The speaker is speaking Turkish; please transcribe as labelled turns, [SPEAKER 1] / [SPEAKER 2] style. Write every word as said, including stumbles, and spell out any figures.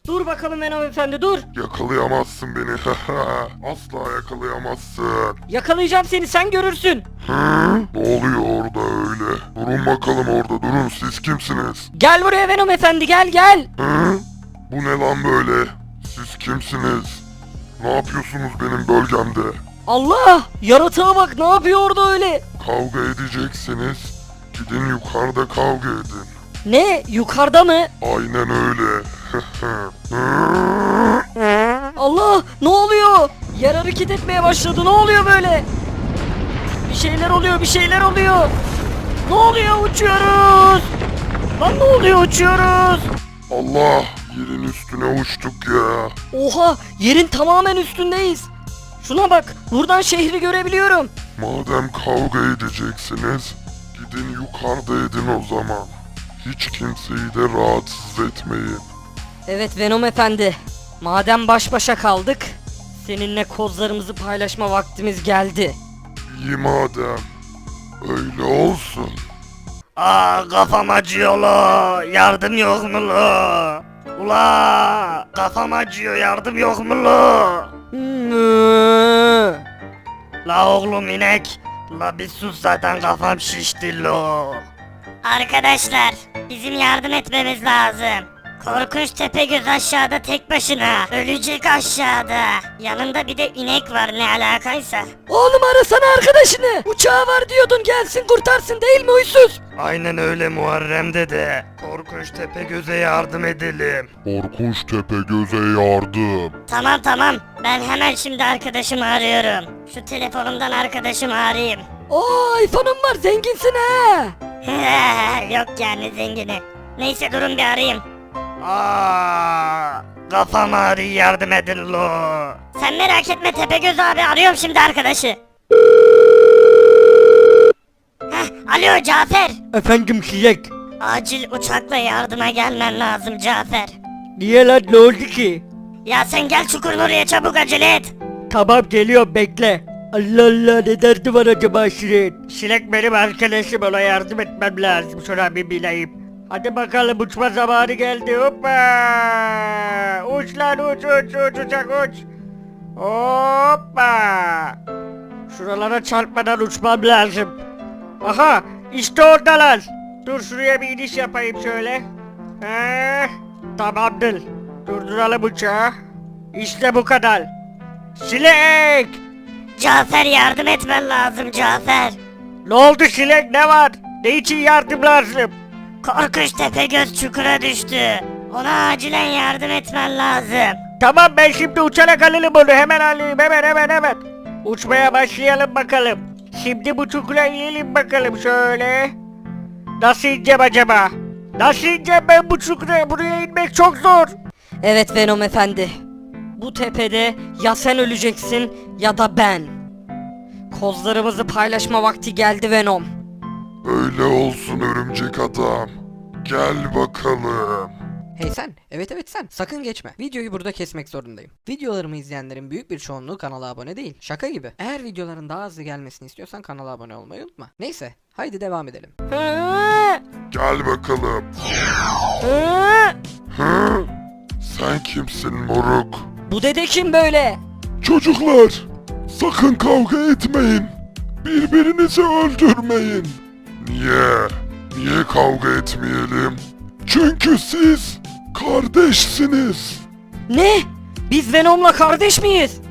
[SPEAKER 1] Dur bakalım Venom Efendi dur.
[SPEAKER 2] Yakalayamazsın beni. Asla yakalayamazsın.
[SPEAKER 1] Yakalayacağım seni, sen görürsün.
[SPEAKER 2] Hı? Ne oluyor orada öyle? Durun bakalım orada, durun. Siz kimsiniz?
[SPEAKER 1] Gel buraya Venom Efendi, gel gel.
[SPEAKER 2] Hı? Bu ne lan böyle? Siz kimsiniz? Ne yapıyorsunuz benim bölgemde?
[SPEAKER 1] Allah! Yaratığa bak, ne yapıyor orada öyle?
[SPEAKER 2] Kavga edeceksiniz. Gidin yukarıda kavga edin.
[SPEAKER 1] Ne? Yukarıda mı?
[SPEAKER 2] Aynen öyle.
[SPEAKER 1] Allah! Ne oluyor? Yer hareket etmeye başladı, ne oluyor böyle? Bir şeyler oluyor, bir şeyler oluyor. Ne oluyor? Uçuyoruz! Lan ne oluyor? Uçuyoruz!
[SPEAKER 2] Allah, yerin üstüne uçtuk ya.
[SPEAKER 1] Oha! Yerin tamamen üstündeyiz. Şuna bak, buradan şehri görebiliyorum.
[SPEAKER 2] Madem kavga edeceksiniz, gidin yukarıda edin o zaman. Hiç kimseyi de rahatsız etmeyin.
[SPEAKER 1] Evet Venom Efendi, madem baş başa kaldık, seninle kozlarımızı paylaşma vaktimiz geldi.
[SPEAKER 2] İyi madem. Öyle olsun.
[SPEAKER 3] Aa kafam acıyor lo. Yardım yok mu lo? Ula kafam acıyor, yardım yok mu lo?
[SPEAKER 1] Mü.
[SPEAKER 3] La oğlum inek. La bir sus, zaten kafam şişti lo.
[SPEAKER 4] Arkadaşlar, bizim yardım etmemiz lazım. Korkunç Tepegöz aşağıda tek başına. Ölecek aşağıda. Yanında bir de inek var, ne alakaysa.
[SPEAKER 1] Oğlum arasana arkadaşını. Uçağı var diyordun, gelsin kurtarsın değil mi huysuz?
[SPEAKER 3] Aynen öyle Muharrem dede. Korkunç Tepegöz'e yardım edelim.
[SPEAKER 2] Korkunç Tepegöz'e yardım.
[SPEAKER 4] Tamam tamam, ben hemen şimdi arkadaşımı arıyorum. Şu telefonumdan arkadaşımı arayayım.
[SPEAKER 1] Oo iPhone'un var, zenginsin ha.
[SPEAKER 4] Yok yani zengini. Neyse durun bir arayayım.
[SPEAKER 3] Aa kafam ağrıyor, yardım edin lo.
[SPEAKER 4] Sen merak etme Tepegöz abi, arıyorum şimdi arkadaşı. Heh, alo Cafer.
[SPEAKER 1] Efendim Şilek.
[SPEAKER 4] Acil uçakla yardıma gelmen lazım Cafer.
[SPEAKER 1] Niye lan, ne oldu ki?
[SPEAKER 4] Ya sen gel çukurun oraya, çabuk acele et.
[SPEAKER 1] Tamam geliyorum, bekle. Allah Allah, ne derdi var acaba Şirin?
[SPEAKER 3] Şilek benim arkadaşım, ona yardım etmem lazım, şuna bir bileyim. Hadi bakalım, uçma zamanı geldi, hoppa! Uç lan uç uç uç uçak uç! Hoppa! Şuralara çarpmadan uçmam lazım. Aha, işte oradalar. Dur şuraya bir iniş yapayım şöyle. Heh, tamamdır. Durduralım uçağı. İşte bu kadar. Şilek!
[SPEAKER 4] Cafer yardım etmen lazım Cafer.
[SPEAKER 3] Ne oldu Şilek, ne var? Ne için yardım lazım?
[SPEAKER 4] Korkunç Tepegöz çukura düştü. Ona acilen yardım etmen lazım.
[SPEAKER 3] Tamam, ben şimdi uçarak alayım onu, hemen alayım, hemen hemen hemen. Uçmaya başlayalım bakalım. Şimdi bu çukura inelim bakalım şöyle. Nasıl ineceğim acaba? Nasıl ineceğim ben bu çukura? Buraya inmek çok zor.
[SPEAKER 1] Evet Venom Efendi. Bu tepede ya sen öleceksin ya da ben. Kozlarımızı paylaşma vakti geldi Venom.
[SPEAKER 2] Öyle olsun örümcek adam. Gel bakalım.
[SPEAKER 5] Hey sen, evet evet sen, sakın geçme. Videoyu burada kesmek zorundayım. Videolarımı izleyenlerin büyük bir çoğunluğu kanala abone değil. Şaka gibi. Eğer videoların daha hızlı gelmesini istiyorsan kanala abone olmayı unutma. Neyse, haydi devam edelim.
[SPEAKER 1] Hı,
[SPEAKER 2] Gel bakalım.
[SPEAKER 1] hı.
[SPEAKER 2] Hı? Sen kimsin moruk?
[SPEAKER 1] Bu dede kim böyle?
[SPEAKER 2] Çocuklar, sakın kavga etmeyin. Birbirinizi öldürmeyin. Niye? Niye kavga etmeyelim? Çünkü siz kardeşsiniz.
[SPEAKER 1] Ne? Biz Venom'la kardeş miyiz?